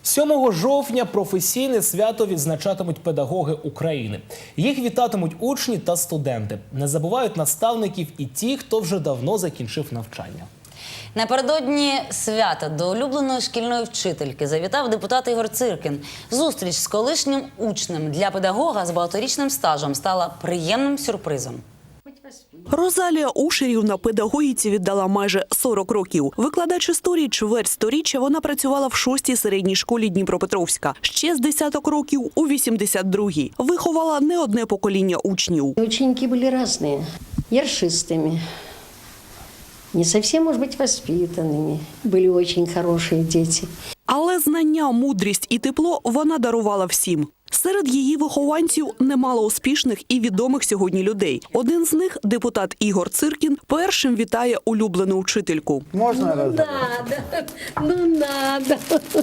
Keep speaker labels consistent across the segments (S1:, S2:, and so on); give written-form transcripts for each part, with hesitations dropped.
S1: 7 жовтня професійне свято відзначатимуть педагоги України. Їх вітатимуть учні та студенти. Не забувають наставників і ті, хто вже давно закінчив навчання.
S2: Напередодні свята до улюбленої шкільної вчительки завітав депутат Ігор Циркін. Зустріч з колишнім учнем для педагога з багаторічним стажем стала приємним сюрпризом.
S3: Розалія Ушерівна педагогіці віддала майже 40 років. Викладач історії чверть сторіччя вона працювала в 6-й середній школі Дніпропетровська. Ще з десяток років у 82-й. Виховала не одне покоління учнів.
S4: Ученики были разные, ершистыми, не совсем, может быть, воспитанными. Были очень хорошие дети.
S3: Але знання, мудрість і тепло вона дарувала всім. Серед її вихованців немало успішних і відомих сьогодні людей. Один з них, депутат Ігор Циркін, першим вітає улюблену вчительку.
S4: Можна надо, ну надо.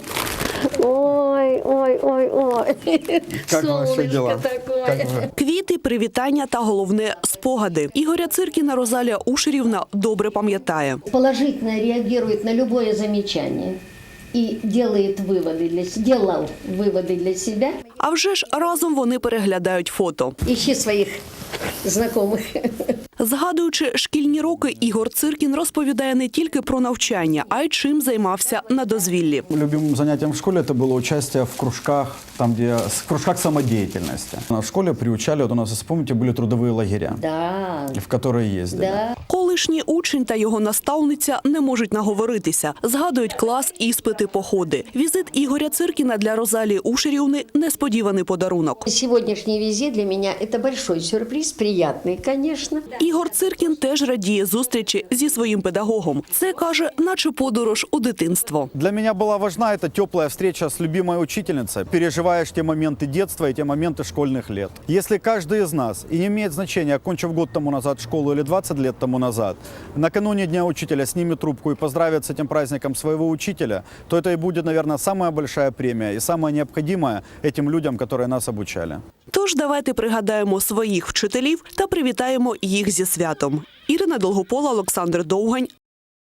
S4: Ой, ой, ой, ой.
S5: Как ваші діла?
S4: Такое.
S3: Квіти, привітання та головне – спогади. Ігоря Циркіна Розалія Ушерівна добре пам'ятає.
S4: Положительно реагирует на любое замечание и делает делал выводы для себя.
S3: А вже ж разом вони переглядають фото.
S4: Ищи своих знакомых.
S3: Згадуючи шкільні роки, Ігор Циркін розповідає не тільки про навчання, а й чим займався на дозвіллі.
S5: Любимым занятием в школе это было участие в кружках, в кружках самодеятельности. В школе приучали, вот у нас, вспомните, были трудовые лагеря,
S4: Да.
S5: в которые ездили.
S4: Да.
S3: Колишній учень та його наставниця не можуть наговоритися. Згадують клас, іспити, походи. Візит Ігоря Циркіна для Розалії Ушерівни – несподіваний подарунок.
S4: Сегодняшний визит для меня это большой сюрприз, приятный, конечно.
S3: Ігор Циркін теж радіє зустрічі зі своїм педагогом. Це, каже, наче подорож у дитинство.
S5: Для меня была важна эта теплая встреча с любимой учительницей. Переживаешь те моменты детства и те моменты школьных лет. Если каждый из нас, и не имеет значения, окончив год тому назад школу или 20 лет тому назад, накануне Дня учителя снимет трубку и поздравит с этим праздником своего учителя, то это и будет, наверное, самая большая премия и самая необходимая этим людям, которые нас обучали.
S3: Тож давайте пригадаємо своїх вчителів та привітаємо їх зі святом. Ірина Долгопола, Олександр Довгань.